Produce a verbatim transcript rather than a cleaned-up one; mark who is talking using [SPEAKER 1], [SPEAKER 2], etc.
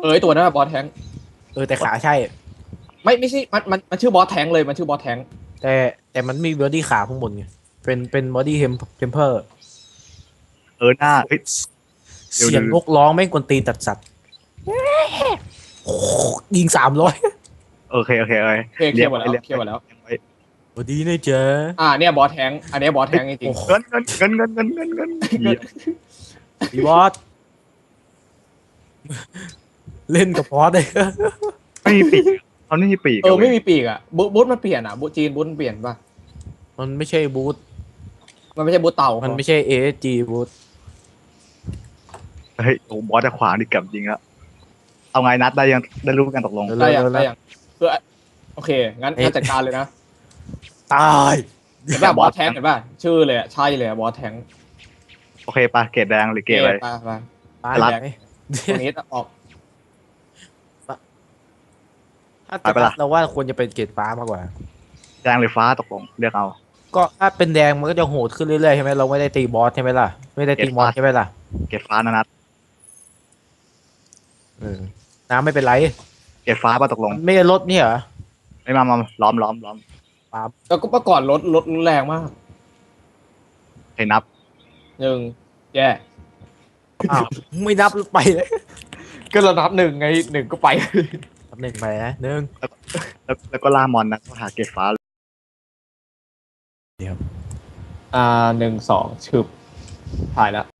[SPEAKER 1] เออไอตัวนั้นอะบอสแทงค์
[SPEAKER 2] เออแต่ขาใช่
[SPEAKER 1] ไม่ไม่ใช่มันมันมันชื่อบอสแทงค์เลยมันชื่อบอสแทงค์
[SPEAKER 2] แต่แต่มันมีบอดี้ขาข้างบนไงเป็นเป็นบอดี้เทมเทมเพอร์
[SPEAKER 3] เออหน้าเฮ้ยเดี๋ยว
[SPEAKER 2] เสียง
[SPEAKER 3] เดี๋ยว
[SPEAKER 2] นกร้องไม่งกวนตีนตัดสัตว์โอ้โหยิงสามร้อย
[SPEAKER 3] โอเคโอเคโอเค
[SPEAKER 1] เคลียร์เคลียร์หมดแล้ว
[SPEAKER 3] เลี้ยง
[SPEAKER 1] เคลียร์หมดแล้ว
[SPEAKER 3] เลี้ยงไว้
[SPEAKER 2] สวัสดีนะเจ๊ะ
[SPEAKER 1] อ่าเนี่ยบอสแทงค์อันเนี้ยบอสแทงค์จริง
[SPEAKER 2] โอ้โห
[SPEAKER 3] เงินเงินเงินเงินเงินเงินเงินเงินเหี้ย
[SPEAKER 2] อีบอสเล่นกับพอสเลย
[SPEAKER 3] ไม่มีปีกเขาไม่มีปีก
[SPEAKER 1] ๆเออไม่
[SPEAKER 3] ว้ย
[SPEAKER 1] มีปีกอ่ะบูบูทมันเปลี่ยนอ่ะบูทจีนบูทมันเปลี่ยนป่ะ
[SPEAKER 2] มันไม่ใช่บูท
[SPEAKER 1] มันไม่ใช่บูทเต่า
[SPEAKER 2] มันไม่ใช่เอสจีบูท
[SPEAKER 3] เฮ้ยโอ้บอสจะขวางดิกับจริงแล้วเอาไงนัดได้ยังได้รู้กันตกลง
[SPEAKER 1] ได้ยังได้ยังคือโอเคงั้นงั้นจัดการเลยนะ
[SPEAKER 2] ตาย
[SPEAKER 1] เห็นป่ะบอสแทงค์เห็นป่ะชื่อเลยอะใช่เลยอะบอสแทงค์
[SPEAKER 3] โอเคปะเกรดแดงหรือเกรดอะไร
[SPEAKER 1] ไปไป
[SPEAKER 2] ตาย
[SPEAKER 3] รัด
[SPEAKER 2] ไหม
[SPEAKER 1] ตรงนี้ออก
[SPEAKER 2] ถ้าจะเราว่าควรจะเป็นเกรดฟ้ามากกว่า
[SPEAKER 3] แดงหรือฟ้าตกลงเลือกเอา
[SPEAKER 2] ก็ถ้าเป็นแดงมันก็จะโหดขึ้นเรื่อยๆใช่ไหมเราไม่ได้ตีบอสใช่ไหมล่ะไม่ได้ตีมอนใช่ไหมล่ะ
[SPEAKER 3] เกรดฟ้านะนัด
[SPEAKER 2] เออน้ำไม่เป็นไร
[SPEAKER 3] เกรดฟ้าปะตกลง
[SPEAKER 2] มันไม่ได้ลดเนี่ยเหรอ
[SPEAKER 3] ไม่มามาล้อมล้อมล้อม
[SPEAKER 1] แล้วก็เมื่อก่อนรถรถแรงมาก
[SPEAKER 3] ให้นับ
[SPEAKER 1] หนึ่งแย่
[SPEAKER 2] อ้าวไม่นับไปเลย
[SPEAKER 1] ก็ระดับหนึ่งไงหนึ่งก็ไป
[SPEAKER 2] นับหนึ่งไปนะหนึ่ง
[SPEAKER 3] แล้วแล้วก็ล่ามอนนะก็หาเกรดฟ้า
[SPEAKER 1] อ่าหนึ่งสองชึบถ่ายแล้ว